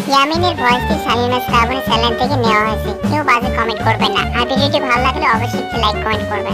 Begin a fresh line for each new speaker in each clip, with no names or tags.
ইয়ামিনের ভয়েসটি শালিনা Shrabani channel থেকে নেওয়া হয়েছে। কেউ বাজে কমেন্ট করবেন না, আর ভিডিওটি ভালো লাগলে অবশ্যই একটু লাইক কমেন্ট করবেন।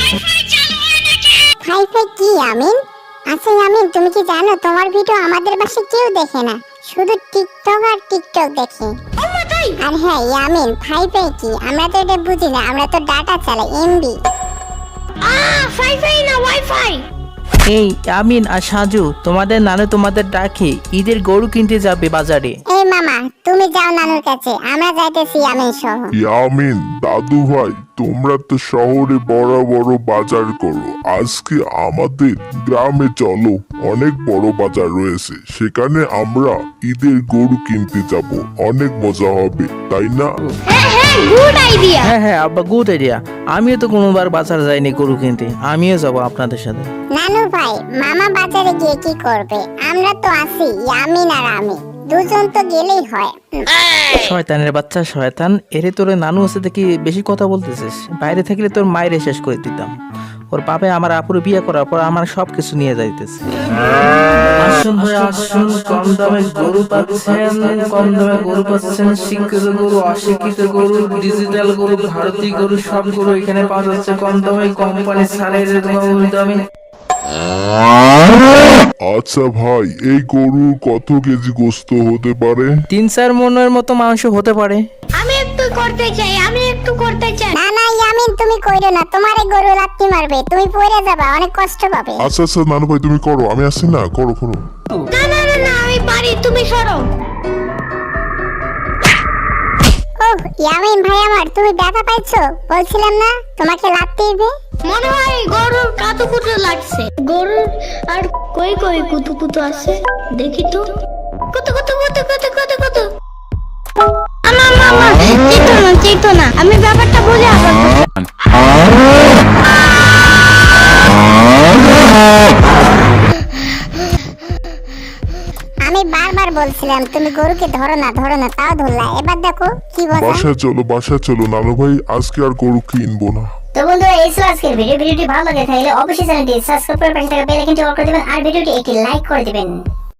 হাই ফাই কি ইয়ামিন? আচ্ছা ইয়ামিন, তুমি কি জানো তোমার ভিডিও আমাদের বাসায় কেউ দেখে না, শুধু টিকটক আর টিকটক দেখে। আর হ্যাঁ ইয়ামিন, ফাই ফাই কি? আমরা তো এটা বুঝি না, আমরা তো ডাটা চালাই, এমবি।
ফাই ফাই না ওয়াইফাই।
এই আমিন আর সাজু, তোমাদের নানু তোমাদের ডাকে ঈদের গরু কিনতে যাবে বাজারে।
এই মামা, তুমি যাও নানুর কাছে, আমরা যাইতেছি ইয়ামিন সহ।
ইয়ামিন, দাদু ভাই, তোমরা তো শহরে বড় বড় বাজার করো, আজকে আমাদের গ্রামে চলো, অনেক বড় বাজার রয়েছে, সেখানে আমরা ঈদের গরু কিনতে যাব, অনেক মজা হবে, তাই না?
Good idea.
হ্যাঁ আব্বা, গুড আইডিয়া। আমিও তো কোনোবার বাজার যাইনি গরু কিনতে, আমিও যাবো আপনাদের সাথে।
নানু ভাই, মামা বাজারে গিয়ে কি করবে? আমরা তো আছি, ইয়ামিন আর আমি, দুজন তো গেলেই হয়।
শয়তানের বাচ্চা শয়তান, এরে তোরে নানু আছে দেখি বেশি কথা বলতেছিস। বাইরে থাকলে তোর মায়ের শেষ করে দিতাম। ওর বাবা আমার আপুর বিয়ে করার পর আমার সবকিছু নিয়ে যাইতেছে। আসুন ভাই আসুন, কম দামে গরু পাচ্ছেন, কম দামে গরু পাচ্ছেন, শিক্ষিত গরু, অশিক্ষিত গরু, ডিজিটাল গরু, ভারতীয় গরু, সব গরু এখানে পাওয়া যাচ্ছে কম দামে, কোম্পানি ছাড়ের দামে।
আচ্ছা ভাই, এই গরু কত কেজি গোস্ত হতে পারে?
3-4 মনের মতো মাংস হতে পারে।
আমি একটু করতে চাই।
না না ইয়ামিন, তুমি কইরো না, তোমার এই গরু লাত্তি মারবে, তুমি পড়ে যাবা, অনেক কষ্ট পাবে।
আচ্ছা আচ্ছা নানু ভাই, তুমি করো, আমি আসছি না, করো করো।
না আমি পারি, তুমি সরো।
ওহ ইয়ামিন ভাই আমার, তুমি ব্যথা পাইছো? বলছিলাম না তোমাকে লাত্তি দিবে।
মনে হয় গরুর কাতুকুতু লাগছে। গরুর আর কই কই কুতুকুতু আছে, দেখি তো। কত মামা চিতো না, আমি ব্যাপারটা বুঝে আবার।
আমি বারবার বলছিলাম তুমি গরুকে ধরো না, তাও ধরলা, এবার দেখো কি বলে।
বাসায় চলো নানু ভাই, আজকে আর গরু কিনবো না।
তো বন্ধুরা, এই ছিল আজকের ভিডিওটি ভালো লাগে থাকলে অবশ্যই চ্যানেলটি সাবস্ক্রাইব করে পাশে থাকা বেল আইকনটি অন করে দিবেন আর ভিডিওটি একটি লাইক করে দিবেন।